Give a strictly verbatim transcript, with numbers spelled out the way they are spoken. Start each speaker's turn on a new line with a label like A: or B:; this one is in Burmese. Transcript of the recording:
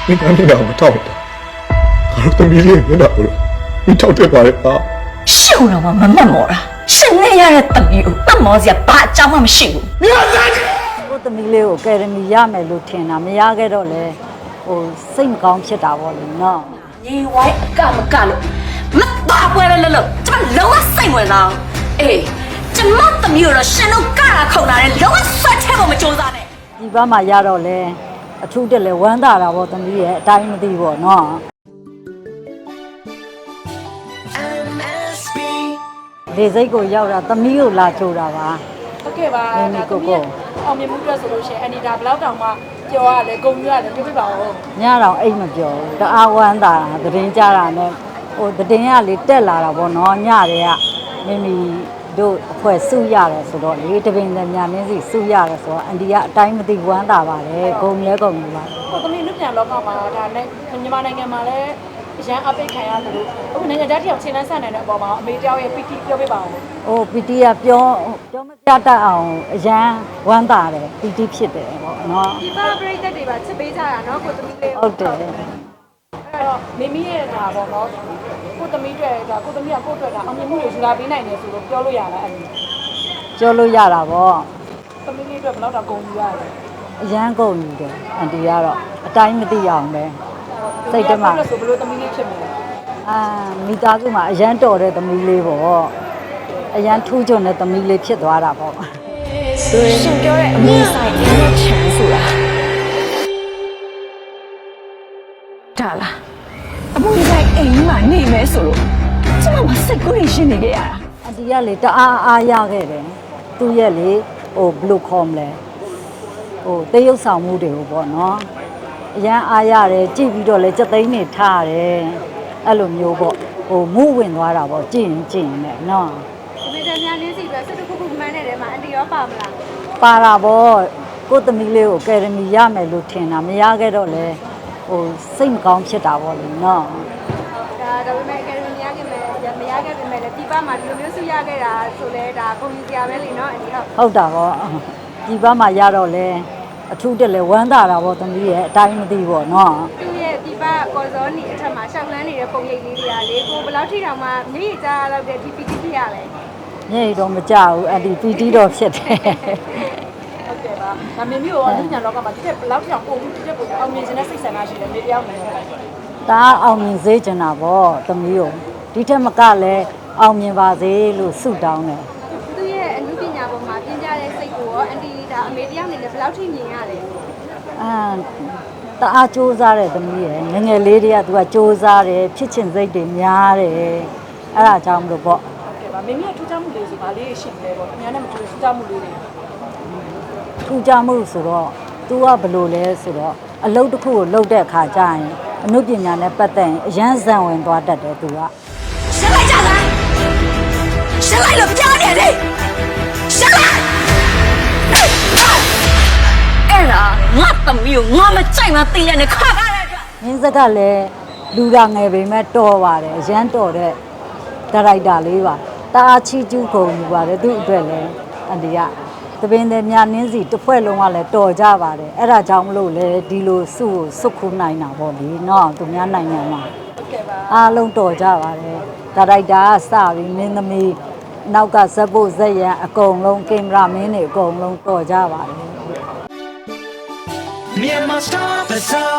A: မင်းသားမျက်နှာကိုထောက်တာငါတို့သမီးလေးမျက်နှာကိုမင်းထောက်တတ်ပါလေပါ
B: ရှုံတော့မမတ်မော်တာရှင်နဲ့ရတဲ့သမီးကိုတတ်မော်စရာဘာအကြောင်းမှမရှိဘူး
A: မင်းသား
C: ကိုသမီးလေးကိုကယ်ဒမီရမယ်လို့ထင်တာမရခဲ့တော့လေဟိုစိတ်မကောင်းဖြစ်တာပေါ့လေနော်
B: ညီဝိုင်းအကမကလို့မတော်ပွဲလဲလို့ကျမလုံးဝစိတ်ဝင်စားအေးကျမသမီးတို့ရှင်တို့ကတာခုံတာလဲလုံးဝဆွတ်ထဲဖို့မကြိုးစားနဲ့
C: ဒီဘက်မှာရတော့လေအထူးတက်လဲဝမ်းသာတာပေါ့သမီးရဲ့အတိုင်းမသိပေါ့နော်လေစိတ်ကိုရောက်တာသမီးကိုလာချိုးတာပါ
D: ဟုတ်ကဲ့ပါဒါကိုကိုအောင်မြင်မှုအတွက်ဆိုလို့ရှိရင်အန်ဒီဒါဘယ်လောက်တောင်မှပြောရလဲဂုံယူရတယ်ပြပြပါဦး
C: ညတော့အိတ်မပြောဘူးတအားဝမ်းသာတာသတင်းကြတာနဲ့ဟိုသတင်းကလေတက်လာတာပေါ့နော်ညတွေကမိမိတို့အဖွဲစုရတယ်ဆိုတော့လေတပင်တညာနင်းစီစုရတယ်ဆိုတော့အန်ဒီကအတိုင်းမသိဝမ်းသာပါတယ်ဂုံလဲဂုံယူပါ
D: ဟိုသမီးလူပြန်လောကမှာဒါနဲ့မြန်မာနိုင်ငံမှာလည်းအရန်အပိတ်ခံရတယ်လို့အခုနိုင်ငံခြားတယောက်ချိန်လန်းဆန်နေတဲ့အပေါ်မှာအမေတယောက်ရဲ့ ပီ တီ ပြောပြပါဦး
C: ။အိုး ပီ တီ ကပြောပြောမပြတတ်အောင်အရန်ဝမ်းသာတယ် ပီ တီ ဖြစ်တယ်ပေါ့နော်
D: ။ဒီပါပရိသတ်တွေပါချစ်ပေးကြတာနော်ကိုသမီးလေး
C: ဟုတ်တယ်။
D: အဲ့တော့မိမိရဲ့ဒါပေါ့နော်ကိုသမီးတွေဒါကိုသမီးကကိုအတွက်ဒါအောင်မြင်မှုတွေယူလာပေးနိုင်တယ်ဆိုတော့ပြောလို့ရလားအဲ့ဒီ
C: ပြောလို့ရတာပေါ့
D: ။သမီးလေးအတွက်ဘယ်တော့ဂုံယူရလဲ
C: ။အရန်ဂုံယူတယ်အန်တီကတော့အတိုင်းမသိအောင်ပဲ။စိတ်တမ
D: ဆိုဘလို့သမီးလေးဖြစ်မလဲ
C: အာမိသားစုမှာအရန်တော်တဲ့သမီးလေးပေါ့အရန်ထူးချွန်တဲ့သမီးလေးဖြစ်သွားတာပေါ့
B: ရှင်ပြောတဲ့အမေဆိုင်ရတဲ့ချမ်းဆိုတာဒါလားအမေဆိုင်အိမ်မှာနေမယ်ဆိုလို့ကျမမစိတ်ကူးရရှင်နေခဲ့ရတာ
C: အန်တီကလေတအားအားရခဲ့တယ်သူ့ရဲ့လေဟိုဘယ်လိုခေါ်မလဲဟိုတေးရုပ်ဆောင်မှုတွေကိုပေါ့နော်အရန်အားရတယ်ကြည့်ပြီးတော့လဲစက်သိန်းနေထားတယ်အဲ့လိုမျိုးပေါ့ဟိုမူးဝင်သွားတာပေါ့ကြည့်ရင်ကြည့်ရင်လည်းနော်
D: ဒီတည်းများနင်းစီပဲစက်တစ်ခုခုမှန်းနေတယ်မှာအန်တီရောပါမလား
C: ပါတာပေါ့ကိုသမီးလေးကိုကယ်ဒမီရမယ်လို့ထင်တာမရခဲ့တော့လဲဟိုစိတ်မကောင်းဖြစ်တာပေါ့လေနော်
D: ဒါဒါပေမဲ့ကယ်ဒမီရခဲ့မယ်မရခဲ့ပေမဲ့လည်းဒီပါမှာဒီလိုမျိုးစုရခဲ့တာဆိုလဲဒါပုံကြီးစရာပဲလीနော်အန်တီဟုတ်
C: ဟုတ်တာပေါ့ဒီဘက်မှာရတော့လဲအထူးတက်လဲဝမ်းသာတာပေါ့သမီးရဲ့အတိုင်းမသိပေါ့နော်
D: သူ့ရဲ့ဒီပါကော်စောနီအထက်မှာရှောက်လန်းနေတဲ့ပုံရိပ်လေးတွေကလေကိုဘယ်လောက်ထိတောင်မှမျက်ရည်ကြားလောက်တဲ့ဒီ ပီ တီ ဖြစ်ရလဲ
C: မျက်ရည်တော့မကြဘူးအဲ့ဒီ ပီ တီ တော့ဖြစ်တယ်
D: ဟုတ်ကဲ့ပါဒါမင်းမျိုးရောညလောကမှာဒီတဲ့ဘယ်လောက်တောင်ပုံပြီးဒီတဲ့ပုံအောင်မြင်ခြင်းနဲ့စိတ်ဆန္ဒရှိတယ်နေတယောက်နေတယ်
C: ဒါအောင်မြင်စေချင်တာပေါ့သမီးကိုဒီထက်မကလည်းအောင်မြင်ပါစေလို့ဆုတောင်းတယ်
D: သူ့ရဲ့အမှုပညာပေါ်မှာပြင်ကြတဲ့စိတ်ကိုရောအန်တီဒါအမေတယောက်နေလည်းဘယ်လောက်ထိမြင်ရလဲ
C: အာတအားစူးစားတယ်သမီးရဲ့ငငယ်လေးတွေကသူကစူးစားတယ်ဖြစ်ချင်စိတ်တွေများတယ်အဲ့ဒါကြောင့်မလို့ပေါ့
D: ဟုတ်ကဲ့ပါမင်းမထူးခြားမှုလေးဆိုဗာလေးရှိနေပေါ့အများနဲ့မထူးထူးခြားမှုလေးတွေ
C: ထူးခြားမှုဆိုတော့ तू ကဘယ်လိုလဲဆိုတော့အလုပ်တစ်ခုကိုလုပ်တဲ့အခါကျရင်အမှုပညာနဲ့ပတ်သက်ရင်အရန်ဇံဝင်သွားတတ်တယ် तू က
B: ရှင်းလိုက်ကြလားရှင်းလိုက်လို့ပြောနေတယ်ရှင်းလိုက်အဲ့ဒါငါသမီးကိုငါမကြိုက်မှသိရနဲ့ခါကားတဲ့အတွက်
C: မင်းစက်ကလည်းလူရာငယ်ပေမဲ့တော်ပါတယ်အရန်တော်တဲ့ဒါရိုက်တာလေးပါတအားချီကျူးကုန်ယူပါတယ်သူ့အတွက်လည်းအန်တီကတပင်တဲ့မြနင်းစီတစ်ဖွဲ့လုံးကလည်းတော်ကြပါတယ်အဲ့ဒါကြောင့်မလို့လေဒီလိုစုကိုစုခုနိုင်တာပေါ့လေနော်သူများနိုင်ငံမှာ
D: ဟုတ်ကဲ့ပါ
C: အားလုံးတော်ကြပါတယ်ဒါရိုက်တာကစပြီးမင်းသမီးနောက်ကဇက်ဖို့ဇက်ရန်အကုန်လုံးကင်မရာမင်းတွေအကုန်လုံးတော်ကြပါတယ်
E: Myanmar Star Bazaar